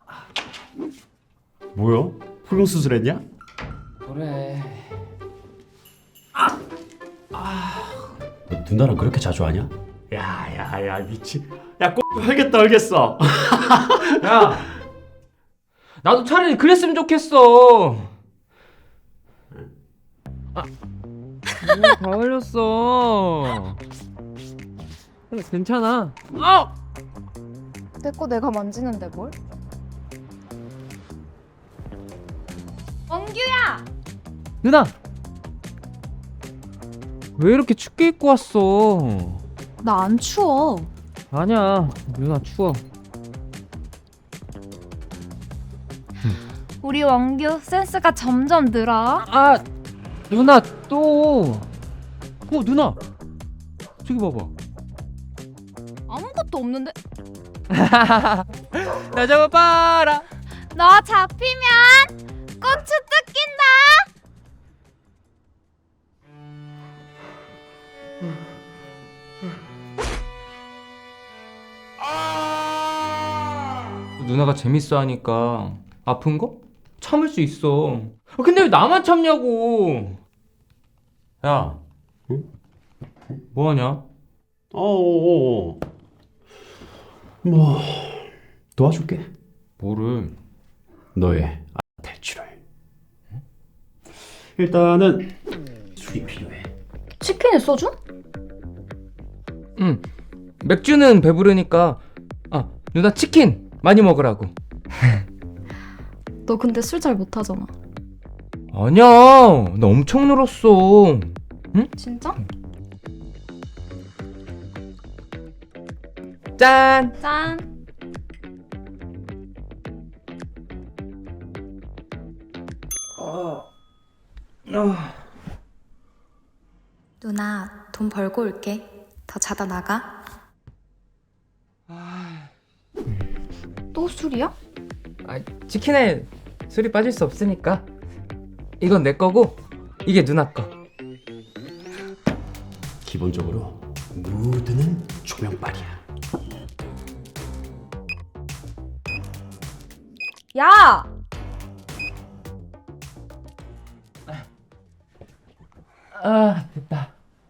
뭐야? 훌륭 수술했냐? 그래. 너 누나랑 그렇게 자주 하냐? 야야야 미친. 야 꼴 헐겠어. 야, 나도 차라리 그랬으면 좋겠어. 다 흘렸어. 괜찮아. 내 거 내가 만지는데 뭘? 원규야! 누나, 왜 이렇게 춥게 입고 왔어? 나 안 추워. 아니야, 누나 추워. 우리 원규 센스가 점점 늘어. 누나 또. 누나, 저기 봐봐. 아무것도 없는데? 나 잡아봐라. 너 잡히면 고추 뜯긴다. 누나가 재밌어 하니까 아픈 거? 참을 수 있어. 근데 왜 나만 참냐고. 야, 응? 뭐 하냐? 어어어. 뭐 도와줄게. 뭐를? 너의 탈출을. 일단은 술이 필요해. 치킨에 소주? 응. 맥주는 배부르니까. 누나 치킨 많이 먹으라고. 너 근데 술 잘 못하잖아. 아니야, 나 엄청 늘었어. 진짜? 짠. 짠. 누나, 돈 벌고 올게. 더 자다 나가. 또 술이야? 치킨에 술이 빠질 수 없으니까. 이건 내 거고, 이게 누나 거. 기본적으로 무드는 조명빨이야. 야! 됐다.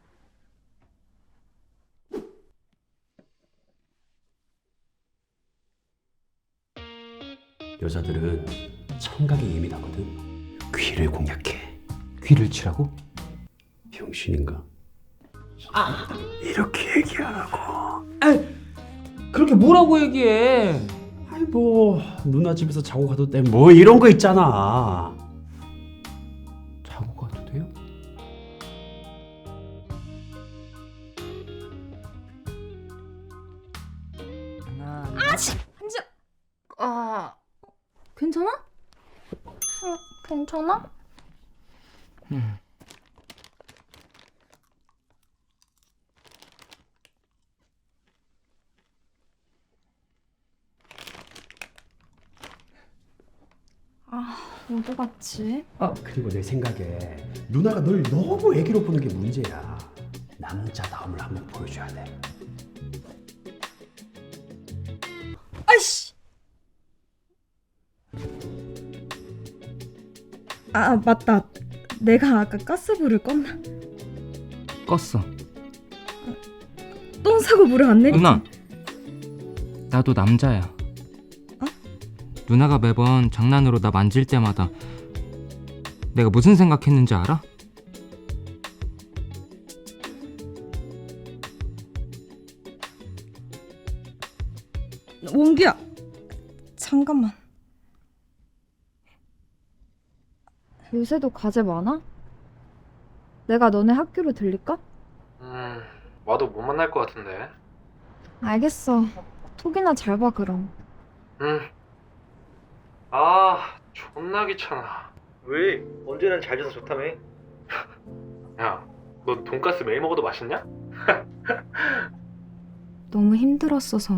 여자들은 청각이 예민하거든. 귀를 공략해. 귀를 치라고? 병신인가? 이렇게 얘기하라고. 그렇게 뭐라고 얘기해? 아이 뭐 누나 집에서 자고 가도 돼. 뭐 이런 거 있잖아. 자고 가도 돼요? 괜찮아? 괜찮아? 어디 갔지? 그리고 내 생각에 누나가 널 너무 애기로 보는 게 문제야. 남자다움을 한번 보여줘야 돼. 아이씨! 맞다. 내가 아까 가스불을 껐나? 껐어. 똥 싸고 물을 안 내리지? 누나, 나도 남자야. 누나가 매번 장난으로 나 만질 때마다 내가 무슨 생각했는지 알아? 원기야. 잠깐만. 요새도 과제 많아? 내가 너네 학교로 들릴까? 와도 못 만날 것 같은데. 알겠어. 톡이나 잘 봐 그럼. 응. 존나 귀찮아. 왜? 언제는 잘 돼서 좋다며? 야, 너 돈가스 매일 먹어도 맛있냐? 너무 힘들었어서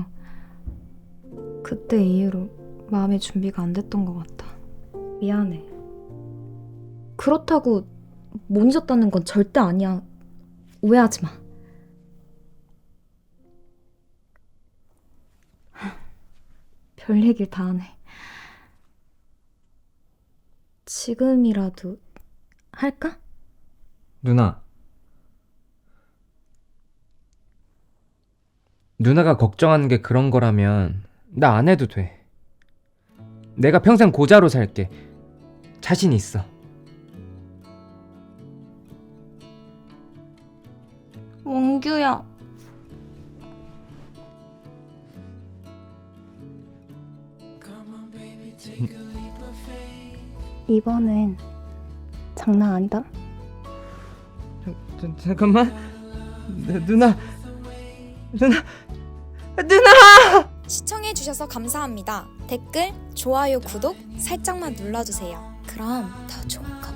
그때 이후로 마음의 준비가 안 됐던 것 같아. 미안해. 그렇다고 못 잊었다는 건 절대 아니야. 오해하지 마. 별 얘기를 다 하네. 지금이라도 할까? 누나가 걱정하는 게 그런 거라면 나 안 해도 돼. 내가 평생 고자로 살게. 자신 있어. 원규야. 이번엔 장난 아니다. 잠깐만. 누나. 시청해주셔서 감사합니다. 댓글, 좋아요, 구독 살짝만 눌러주세요. 그럼 더 좋은 거